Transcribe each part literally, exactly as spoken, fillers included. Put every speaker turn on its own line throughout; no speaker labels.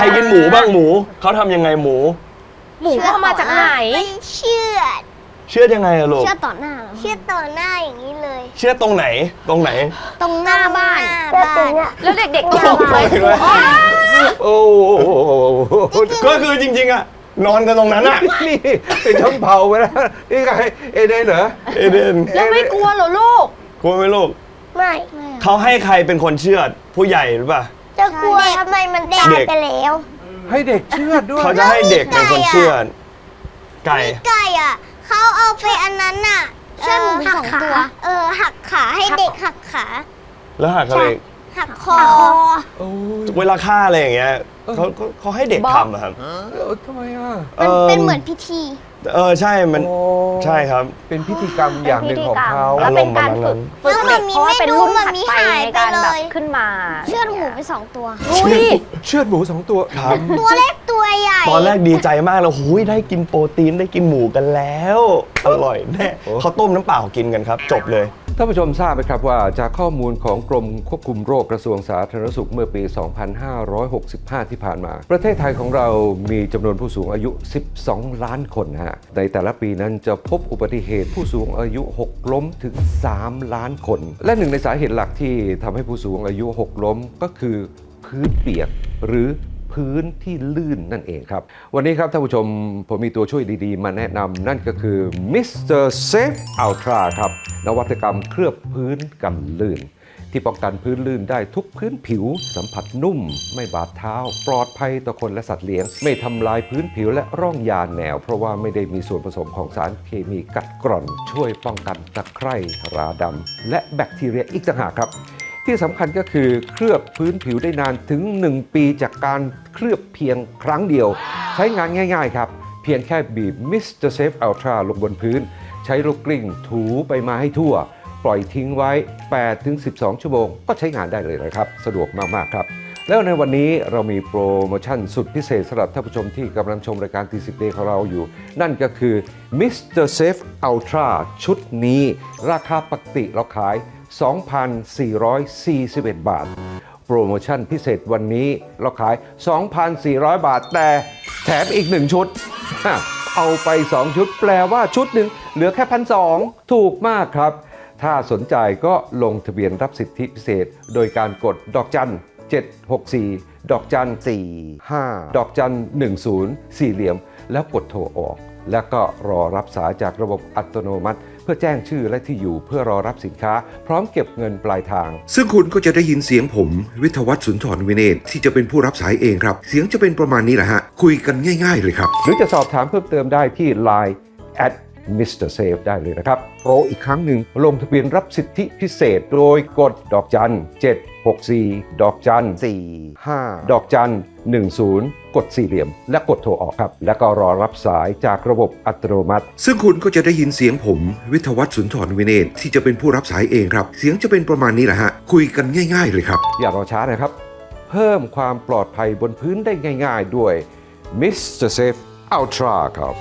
รกินหมูบ้างหมูเขาทำยังไงหมู
หมูเข้ามาจากไหน
เชื่อด
เชื่อยังไงอะลูก
เชื่อต่อหน้าเชื่อต่อหน้าอย่างนี้เลย
เชื่อตรงไหนตรงไหน
ตรงหน้าบ้าน
แล้วเด็กๆตกไหม
โอ้ก็คือจริงๆอะนอนกันตรงนั้นอะ
นี่เป็นช่องเผาไปแล้วนี่ไงเอเดนเหรอ
เอเดน
แล้วไม่กลัวเหรอลูก
กลัวไหมลูก
ไม่
เขาให้ใครเป็นคนเชื่อดผู้ใหญ่หรือเปล่า
จะกลัวทำไมมันตายไปแล้ว
ให้เด็กเชื่อดด้วย
เขาจะให้เด็กเป็นคนเชื่อดไก่
ไก่อ่ะเขาเอาไปอันนั้นน่ะเชื่อหมูสองตัวเออหักขาให้เด็กหักขา
แล้วหักอะไร
หักคอ
โอ้ย
เวลาฆ่าอะไรอย่างเงี้ยเขาเขาเขาให้เด็กทำอะครับ
เออทำไมอ่ะ
มันเป็นเหมือนพิธี
เออใช่มัน
โอ้
ใช่ครับ
เป็นพิธีกรรมอย่างหนึ่งของเขา
แล้วเป็นการฝึกฝึกเด็กเพราะว่าเป็นรุ่นถัดไปในการแบบขึ้นมา
เชื่อหมูไปสองตัว
อุ้ย
เชือดหมูสองตัว
ครับ
ตัวเล็กตัวใหญ่
ตอนแรกดีใจมากเลยหูยได้กินโปรตีนได้กินหมูกันแล้ว อร่อยแน่เขาต้มน้ำเปล่ากินกันครับ จบเลย
ท่านผู้ชมทราบไหมครับว่าจากข้อมูลของกรมควบคุมโรคกระทรวงสาธารณสุขเมื่อปี สองพันห้าร้อยหกสิบห้า ที่ผ่านมา ประเทศไทยของเรามีจำนวนผู้สูงอายุ สิบสอง ล้านคนนะฮะในแต่ละปีนั้นจะพบอุบัติเหตุผู้สูงอายุหกล้มถึง สาม ล้านคน และหนึ่งในสาเหตุหลักที่ทำให้ผู้สูงอายุหกล้มก็คือพื้นเปียกหรือพื้นที่ลื่นนั่นเองครับ วันนี้ครับท่านผู้ชมผมมีตัวช่วยดีๆมาแนะนำนั่นก็คือ มิสเตอร์ Safe Ultra ครับนวัตกรรมเคลือบพื้นกันลื่น ที่ป้องกันพื้นลื่นได้ทุกพื้นผิว สัมผัสนุ่ม ไม่บาดเท้า ปลอดภัยต่อคนและสัตว์เลี้ยง ไม่ทำลายพื้นผิวและร่องยาแนว เพราะว่าไม่ได้มีส่วนผสมของสารเคมีกัดกร่อน ช่วยป้องกันตะไคร่ราดำและแบคทีเรียอีกต่างหากครับที่สำคัญก็คือเคลือบพื้นผิวได้นานถึงหนึ่งปีจากการเคลือบเพียงครั้งเดียวใช้งานง่ายๆครับเพียงแค่บีบ มิสเตอร์ Safe Ultra ลงบนพื้นใช้ลูกกลิ้งถูไปมาให้ทั่วปล่อยทิ้งไว้ แปดถึงสิบสอง ชั่วโมงก็ใช้งานได้เลยนะครับสะดวกมากๆครับแล้วในวันนี้เรามีโปรโมชั่นสุดพิเศษสำหรับท่านผู้ชมที่กำลังชมรายการ ที สิบ Day ของเราอยู่นั่นก็คือ มิสเตอร์ Safe Ultra ชุดนี้ราคาปกติเราขายสองพันสี่ร้อยสี่สิบเอ็ด บาทโปรโมชั่นพิเศษวันนี้เราขาย สองพันสี่ร้อย บาทแต่แถมอีกหนึ่งชุดเอาไปสองชุดแปลว่าชุดหนึ่งเหลือแค่พันสองถูกมากครับถ้าสนใจก็ลงทะเบียนรับสิทธิพิเศษโดยการกดดอกจันเจ็ดหกสี่ดอกจันสี่ห้าดอกจันหนึ่งศูนย์สี่เหลี่ยมแล้วกดโทรออกแล้วก็รอรับสายจากระบบอัตโนมัติเพื่อแจ้งชื่อและที่อยู่เพื่อรอรับสินค้าพร้อมเก็บเงินปลายทางซึ่งคุณก็จะได้ยินเสียงผมวิทยวัฒน์สุนทรวินเนศที่จะเป็นผู้รับสายเองครับเสียงจะเป็นประมาณนี้แหละฮะคุยกันง่ายๆเลยครับหรือจะสอบถามเพิ่มเติมได้ที่ ไลน์ แอท มิสเตอร์ Safe ได้เลยนะครับโปรอีกครั้งหนึ่งลงทะเบียนรับสิทธิพิเศษโดยกดดอกจันเจ็ดหกสี่ดอกจันสี่ห้าดอกจันหนึ่งศูนย์กดสี่เหลี่ยมและกดโทรออกครับแล้วก็รอรับสายจากระบบอัตโนมัติซึ่งคุณก็จะได้ยินเสียงผมวิทยวัฒน์สุนทรวินเนศที่จะเป็นผู้รับสายเองครับเสียงจะเป็นประมาณนี้แหละฮะคุยกันง่ายๆเลยครับอย่ารอช้านะครับเพิ่มความปลอดภัยบนพื้นได้ง่ายๆด้วย มิสเตอร์ Safe Ultra ครับ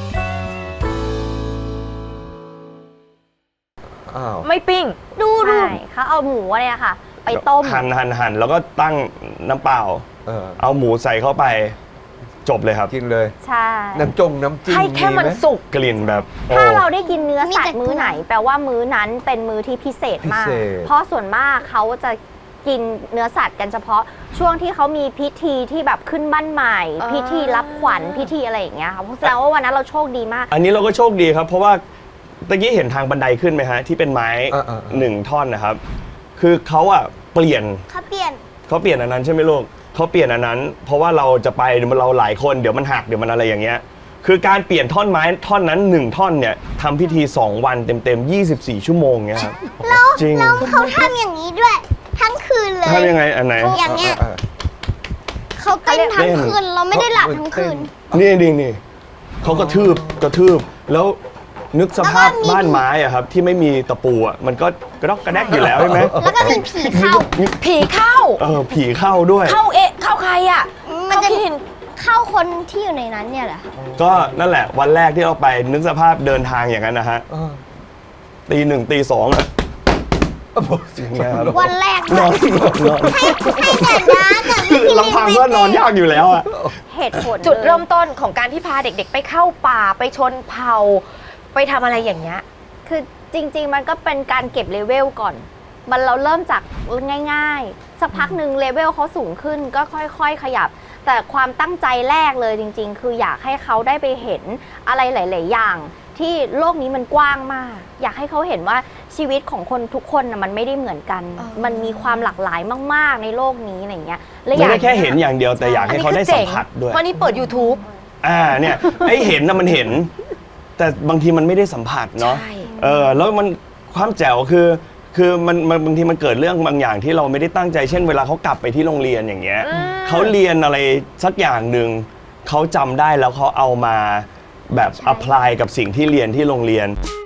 ไม่ปิ้งดูดูเขาเอาหมูเนี่ยค่ะไปต้ม
หั่นหั่นหั่นแล้วก็ตั้งน้ำเปล่า
เออ
เอาหมูใส่เข้าไปจบเลยครับ
กินเลย
ใช่
น้ำจงน้ำจิ้ม
ให้แค่มันสุก
กลิ่นแบบโอ้
ถ้าเราได้กินเนื้อสัตว์มื้อไหนแปลว่ามื้อนั้นเป็นมื้อที่พิเศษมากเพราะส่วนมากเขาจะกินเนื้อสัตว์กันเฉพาะช่วงที่เขามีพิธีที่แบบขึ้นบ้านใหม่พิธีรับขวัญพิธีอะไรอย่างเงี้ยค่ะเพราะแสดงว่าวันนั้นเราโชคดีมาก
อันนี้เราก็โชคดีครับเพราะว่าตะกี้เห็นทางบันไดขึ้นไหมฮะที่เป็นไม้
เออเออเออ
หนึ่งท่อนนะครับคือเขาอะเปลี่ยน
เขาเปลี่ยน
เขาเปลี่ยนอันนั้นใช่ไหมลูกเขาเปลี่ยนอันนั้น เพราะว่าเราจะไปเราหลายคนเดี๋ยวมันหักเดี๋ยวมันอะไรอย่างเงี้ยคือการเปลี่ยนท่อนไม้ท่อนนั้นหนึ่งท่อนเนี่ยทำพิธีสองวันเต็มๆยี่สิบสี่ชั่วโมงเงี้ยครับจริง
แล้วเขาทำอย่างนี้ด้วยทั้งคืนเลย
ทำยังไงอันไหน
อย่างเงี้ยเขาเต้นทั้งคืนเราไม่ได้หลับทั้งคืน
นี่นี่นี่เขากระทืบกระทืบแล้วนึกสภาพบ้านไม้อะครับที่ไม่มีตะปูอะมันก็กระดอกกระแดกอยู่แล้วใช่ไหม
แล้วก็มีผีเข้า
ผีเข้า
เออผีเข้าด้วย
เข้าเอ๊ะเข้าใครอ่ะ
มันจะ
เข้าคิด
เข้าคนที่อยู่ในนั้นเนี่ยแหละ
ก็นั่นแหละวันแรกที่เราไปนึกสภาพเดินทางอย่างนั้นนะฮะ
เออ
ตีหนึ่งตีสองอะอย่างเงี้ยครับ
วันแรก
นอนนอนนอน
ให้แต่น้ากับพี่
ลำพังก็นอนยากอยู่แล้วอะ
เหตุผล
จุดเริ่ม
ลย
ต้นของการที่พาเด็กๆ ไปเข้าป่าไปชนเผ่าไปทำอะไรอย่างเงี้ย
คือจริง ๆ มันก็เป็นการเก็บเลเวลก่อน มันเราเริ่มจากง่ายๆ สักพักหนึ่งเลเวลเขาสูงขึ้นก็ค่อยๆ ขยับ แต่ความตั้งใจแรกเลยจริง ๆ คืออยากให้เขาได้ไปเห็นอะไรหลาย ๆ อย่าง ที่โลกนี้มันกว้างมาก อยากให้เขาเห็นว่าชีวิตของคนทุกคนน่ะมันไม่ได้เหมือนกัน
อ๋อ
มันมีความหลากหลายมาก ๆ ในโลกนี้อะไรเงี้ยและอ
ไม่
ยาก
ได้แค่เห็นอย่างเดียวแต่อยากให้เขาได้สัมผัสด้วย
เพราะนี่เปิด YouTube
อ่าเนี่ยไอ้เห็นนะมันเห็น แต่บางทีมันไม่ได้สัมผัสเนาะ
ใช่
เออแล้วมันความแจ๋วคือ คือมันมันบางทีมันเกิดเรื่องบางอย่างที่เราไม่ได้ตั้งใจเช่นเวลาเขากลับไปที่โรงเรียนอย่างเงี้ยเขาเรียนอะไรสักอย่างหนึ่งเขาจำได้แล้วเขาเอามาแบบ apply กับสิ่งที่เรียนที่โรงเรียน